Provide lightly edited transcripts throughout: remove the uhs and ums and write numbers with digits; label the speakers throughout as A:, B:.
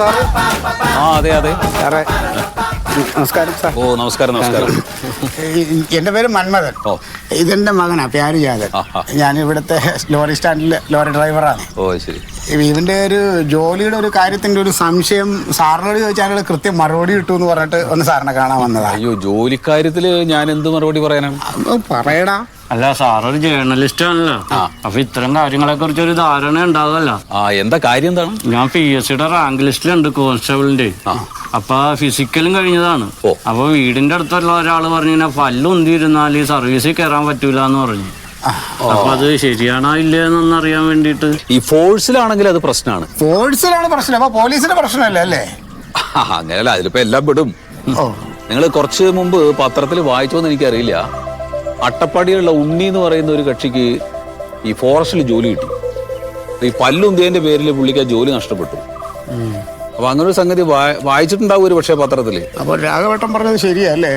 A: Sir?
B: ആ അതെ അതെ
A: സാറേ നമസ്കാരം സാർ.
B: ഓ നമസ്കാരം നമസ്കാരം.
A: എൻ്റെ പേര് മന്മഥൻ.
B: ഓ
A: ഇതെൻ്റെ മകനാ പ്യാരിജാതൻ. ഞാൻ ഇവിടുത്തെ ലോറി സ്റ്റാൻഡിൽ ലോറി ഡ്രൈവറാണ്.
B: ഓ ശരി.
A: ഇവൻ്റെ ഒരു ജോലിയുടെ ഒരു കാര്യത്തിൻ്റെ ഒരു സംശയം സാറിനോട് ചോദിച്ചാൽ കൃത്യം മറുപടി കിട്ടുമെന്ന് പറഞ്ഞിട്ട് ഒന്ന് സാറിനെ കാണാൻ വന്നതാണ്.
B: അയ്യോ ജോലിക്കാര്യത്തില് ഞാൻ എന്ത് മറുപടി പറയാനാണ്?
A: പറയടാ.
C: അല്ല സാറൊരു ജേർണലിസ്റ്റ് ആണല്ലോ, അപ്പൊ ഇത്തരം കാര്യങ്ങളെ കുറിച്ച് ഒരു ധാരണ ഉണ്ടാവുമല്ലോ.
B: ആ എന്താ കാര്യം എന്താണ്?
C: ഞാൻ PSCയുടെ റാങ്ക് ലിസ്റ്റിലുണ്ട് കോൺസ്റ്റബിളിന്റെ. അപ്പൊ ഫിസിക്കലും കഴിഞ്ഞതാണ്. അപ്പൊ വീടിന്റെ അടുത്തുള്ള ഒരാള് പറഞ്ഞു പല്ലുന്തിരുന്നാൽ ഈ സർവീസിൽ കയറാൻ പറ്റൂല എന്ന് പറഞ്ഞു. അപ്പൊ അത് ശരിയാണോ ഇല്ലെന്നൊന്നും അറിയാൻ വേണ്ടിട്ട്.
B: ഈ ഫോഴ്സിലാണെങ്കിൽ അത് പ്രശ്നമാണ്.
A: ഫോഴ്സിലാണ് പ്രശ്നം, അപ്പൊ പോലീസിന്റെ പ്രശ്നമല്ല അല്ലേ?
B: അങ്ങനെയല്ല, അതിലിപ്പോ എല്ലാം പെടും. നിങ്ങൾ കുറച്ച് മുമ്പ് പത്രത്തിൽ വായിച്ചോന്ന് എനിക്കറിയില്ല, അട്ടപ്പാടിയുള്ള ഉണ്ണി എന്ന് പറയുന്ന ഒരു കക്ഷിക്ക് ഈ ഫോറസ്റ്റിൽ ജോലി കിട്ടി. ഈ പല്ലുന്തിയന്റെ പേരിൽ പുള്ളിക്ക് ജോലി നഷ്ടപ്പെട്ടു. അപ്പൊ അങ്ങനെ ഒരു സംഗതി വായിച്ചിട്ടുണ്ടാവും ഒരു പക്ഷേ പത്രത്തില്.
A: അപ്പൊ രാഘവട്ടം പറഞ്ഞത് ശരിയല്ലേ?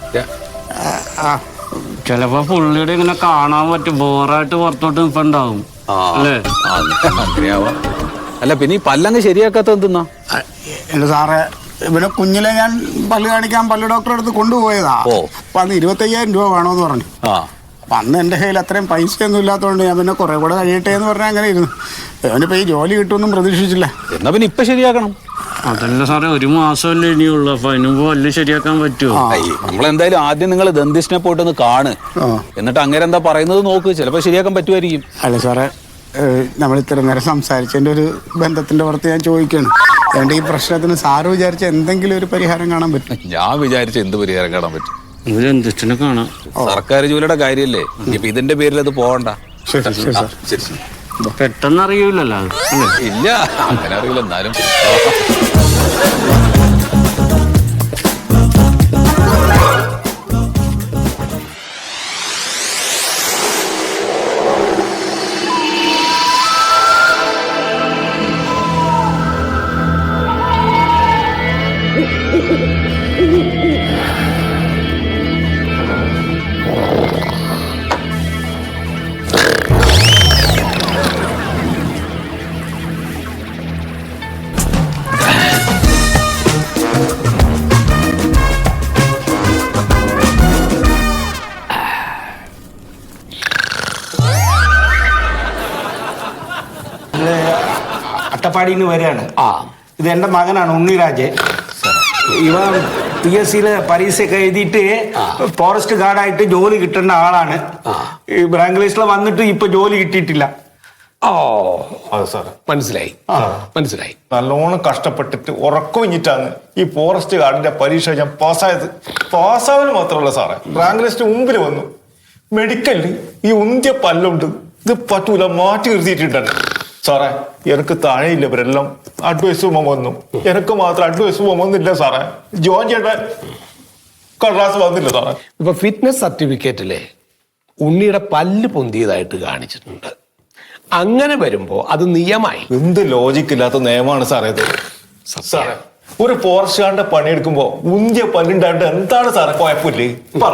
C: ചിലപ്പോ പുള്ളിയുടെ ഇങ്ങനെ കാണാൻ പറ്റും, ബോറായിട്ട് പുറത്തോട്ട് നിൽപ്പുണ്ടാവും അല്ലേ?
B: അങ്ങനെയാവാം. അല്ല പിന്നെ ഈ പല്ലങ്ങ് ശരിയാക്കാത്ത എന്തെന്നാ?
A: എന്റെ സാറേ, ഇവനെ കുഞ്ഞിലെ ഞാൻ പല്ല് കാണിക്കാൻ പല്ല് ഡോക്ടറെ അടുത്ത് കൊണ്ടുപോയതാ. അപ്പൊ അന്ന് 25,000 രൂപ വേണോന്ന് പറഞ്ഞു. അപ്പൊ അന്ന് എന്റെ കയ്യിൽ അത്രയും പൈസയൊന്നും ഇല്ലാത്തതുകൊണ്ട് ഞാൻ പിന്നെ കുറെ കൂടെ കഴിയട്ടെ എന്ന് പറഞ്ഞാൽ അങ്ങനെ ഇരുന്നു. അവനിപ്പോ ഈ ജോലി കിട്ടുമെന്നും പ്രതീക്ഷിച്ചില്ല.
B: എന്നാ പിന്നെ ഇപ്പൊ ശരിയാക്കണം.
C: അതല്ല സാറേ, 1 മാസമല്ലേ ഇനിയുള്ളൂ. അപ്പൊ അതിന് മുമ്പ് പല്ല് ശരിയാക്കാൻ പറ്റുമോ?
B: നമ്മളെന്തായാലും ആദ്യം നിങ്ങൾ ദന്തിസ്റ്റിനെ പോയിട്ടൊന്ന് കാണ്, എന്നിട്ട് അങ്ങനെ എന്താ പറയുന്നത് നോക്ക്, ചിലപ്പോ ശരിയാക്കാൻ പറ്റുമായിരിക്കും.
A: അല്ല സാറേ, നമ്മൾ ഇത്ര നേരം സംസാരിച്ചതിന്റെ ഒരു ബന്ധത്തിന്റെ പുറത്ത് ഞാൻ ചോദിക്കുകയാണ്, അതുകൊണ്ട് ഈ പ്രശ്നത്തിന് സാറ് വിചാരിച്ച എന്തെങ്കിലും ഒരു പരിഹാരം കാണാൻ പറ്റും?
B: ഞാൻ വിചാരിച്ച എന്ത് പരിഹാരം കാണാൻ പറ്റും?
C: ദന്തിസ്റ്റിനെ കാണാം.
B: സർക്കാർ ജോലിയുടെ കാര്യല്ലേ, ഇപ്പൊ ഇതിന്റെ പേരിൽ അത് പോകണ്ട.
C: പെട്ടെന്ന് അറിയൂലല്ലോ അല്ലേ?
B: ഇല്ല, അങ്ങനെ അറിയില്ല. എന്നാലും
D: അട്ടപ്പാടിന്ന് വരികയാണ്. ഇത് എൻ്റെ മകനാണ് ഉണ്ണിരാജ്. ഇവ PSCയിലെ പരീക്ഷയൊക്കെ എഴുതിയിട്ട് ഫോറസ്റ്റ് ഗാർഡായിട്ട് ജോലി കിട്ടേണ്ട ആളാണ്. ഈ റാങ്ക് ലിസ്റ്റിൽ വന്നിട്ട് ഇപ്പൊ ജോലി കിട്ടിയിട്ടില്ല.
E: അതെ സാർ, മനസ്സിലായി. നല്ലോണം കഷ്ടപ്പെട്ടിട്ട് ഉറക്കൊഴിഞ്ഞിട്ടാണ് ഈ ഫോറസ്റ്റ് ഗാർഡിന്റെ പരീക്ഷ ഞാൻ പാസ്സായത്. പാസ്സാവല് മാത്രമല്ല സാറേ, റാങ്ക് ലിസ്റ്റ് മുമ്പിൽ വന്നു. മെഡിക്കലിൽ ഈ ഉന്തിയ പല്ലുണ്ട്, ഇത് പറ്റൂല, മാറ്റി നിർത്തിയിട്ടുണ്ട് സാറേ. എനിക്ക് താഴെയില്ല, ഇവരെല്ലാം അഡ്വൈസ് വന്നു, എനിക്ക് മാത്രം അഡ്വൈസ് വന്നില്ല സാറേ. ജോയിൻ ചെയ്യേണ്ട കടലാസ് വന്നില്ല സാറേ.
F: ഇപ്പൊ ഫിറ്റ്നസ് സർട്ടിഫിക്കറ്റിലെ ഉണ്ണിയുടെ പല്ല് പൊന്തിയതായിട്ട് കാണിച്ചിട്ടുണ്ട്. അങ്ങനെ വരുമ്പോ അത് നിയമമായി.
E: എന്ത് ലോജിക്കില്ലാത്ത നിയമമാണ് സാറേ ഇത്. സാറേ, ഒരു ഫോറസ്റ്റ് ഗാർഡിന്റെ പണിയെടുക്കുമ്പോ ഉന്തിയ പല്ലുണ്ടായിട്ട് എന്താണ് സാറേ കുഴപ്പമില്ലേ? പറ.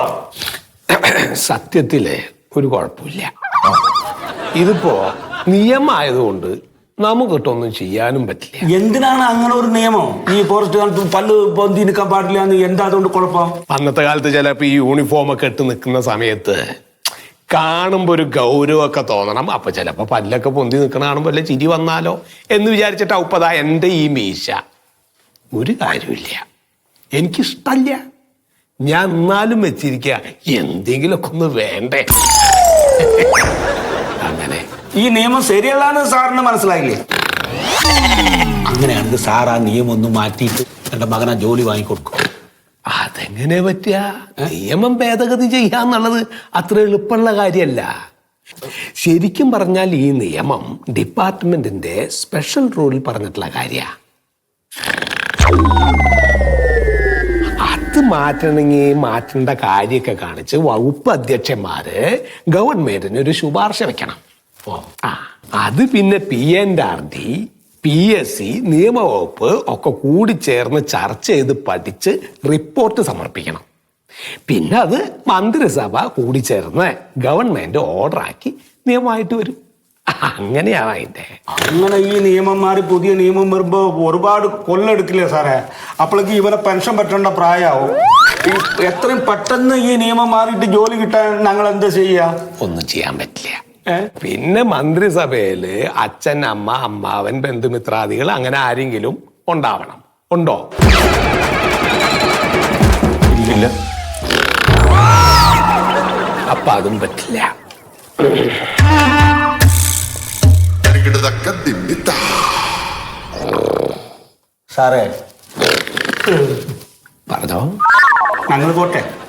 F: സത്യത്തില് ഒരു കുഴപ്പമില്ല. ഇതിപ്പോ നിയമമായതുകൊണ്ട് നമുക്കിട്ടൊന്നും ചെയ്യാനും പറ്റില്ല.
D: എന്തിനാണ് അങ്ങനെ ഒരു നിയമം? ഈ ഫോറസ്റ്റ് ഗാർഡ് പല്ല് പൊന്തി നിൽക്കാൻ പാടില്ല എന്ന് എന്താ അതുകൊണ്ട് കുഴപ്പം?
F: അന്നത്തെ കാലത്ത് ചിലപ്പോ ഈ യൂണിഫോം ഒക്കെ ഇട്ട് നിൽക്കുന്ന സമയത്ത് കാണുമ്പോ ഒരു ഗൗരവമൊക്കെ തോന്നണം. അപ്പൊ ചിലപ്പോ പല്ലൊക്കെ പൊന്തി നിൽക്കണ കാണുമ്പോ വല്ല ചിരി വന്നാലോ എന്ന് വിചാരിച്ചിട്ട് ഉപ്പതാ എന്റെ ഈ മീശ. ഒരു കാര്യമില്ല, എനിക്കിഷ്ടല്ല. ഞാൻ എന്നാലും വെച്ചിരിക്കുക, എന്തെങ്കിലുമൊക്കെ ഒന്ന് വേണ്ടേ. അങ്ങനെ
D: ഈ നിയമം ശരിയല്ലാന്ന് സാറിന് മനസ്സിലായില്ലേ? അങ്ങനെയാണെങ്കിൽ സാർ ആ നിയമം ഒന്ന് മാറ്റിയിട്ട് എന്റെ മകനെ ജോലി വാങ്ങിക്കൊടുക്കും.
F: അതെങ്ങനെ പറ്റുക? നിയമം ഭേദഗതി ചെയ്യാന്നുള്ളത് അത്ര എളുപ്പമുള്ള കാര്യമല്ല. ശരിക്കും പറഞ്ഞാൽ ഈ നിയമം ഡിപ്പാർട്ട്മെന്റിന്റെ സ്പെഷ്യൽ റൂളിൽ പറഞ്ഞിട്ടുള്ള കാര്യ. അത് മാറ്റണമെങ്കിൽ മാറ്റേണ്ട കാര്യമൊക്കെ കാണിച്ച് വകുപ്പ് അധ്യക്ഷന്മാര് ഗവൺമെന്റിന് ഒരു ശുപാർശ വെക്കണം. അത് പിന്നെ PNRD, PSC, നിയമവകുപ്പ് ഒക്കെ കൂടി ചേർന്ന് ചർച്ച ചെയ്ത് പഠിച്ച് റിപ്പോർട്ട് സമർപ്പിക്കണം. പിന്നെ അത് മന്ത്രിസഭ കൂടി ചേർന്ന് ഗവൺമെന്റ് ഓർഡറാക്കി നിയമമായിട്ട് വരും. അങ്ങനെയാണ് അതിന്റെ.
D: അങ്ങനെ ഈ നിയമം മാറി പുതിയ നിയമം വരുമ്പോ ഒരുപാട് കൊല്ലെടുക്കില്ലേ സാറേ? അപ്പോഴേക്ക് ഇവനെ പെൻഷൻ പറ്റേണ്ട പ്രായമാവും. എത്രയും പെട്ടെന്ന് ഈ നിയമം മാറിയിട്ട് ജോലി കിട്ടാൻ ഞങ്ങൾ എന്താ ചെയ്യാ?
F: ഒന്നും ചെയ്യാൻ പറ്റില്ല. പിന്നെ മന്ത്രിസഭയില് അച്ഛൻ, അമ്മ, അമ്മാവൻ, ബന്ധുമിത്രാദികൾ അങ്ങനെ ആരെങ്കിലും ഉണ്ടാവണം. ഉണ്ടോ?
E: ഇല്ല.
F: അപ്പൊ അതും പറ്റില്ല.
D: സാറേ
F: പറഞ്ഞോ.
D: ഞങ്ങൾ പോട്ടെ.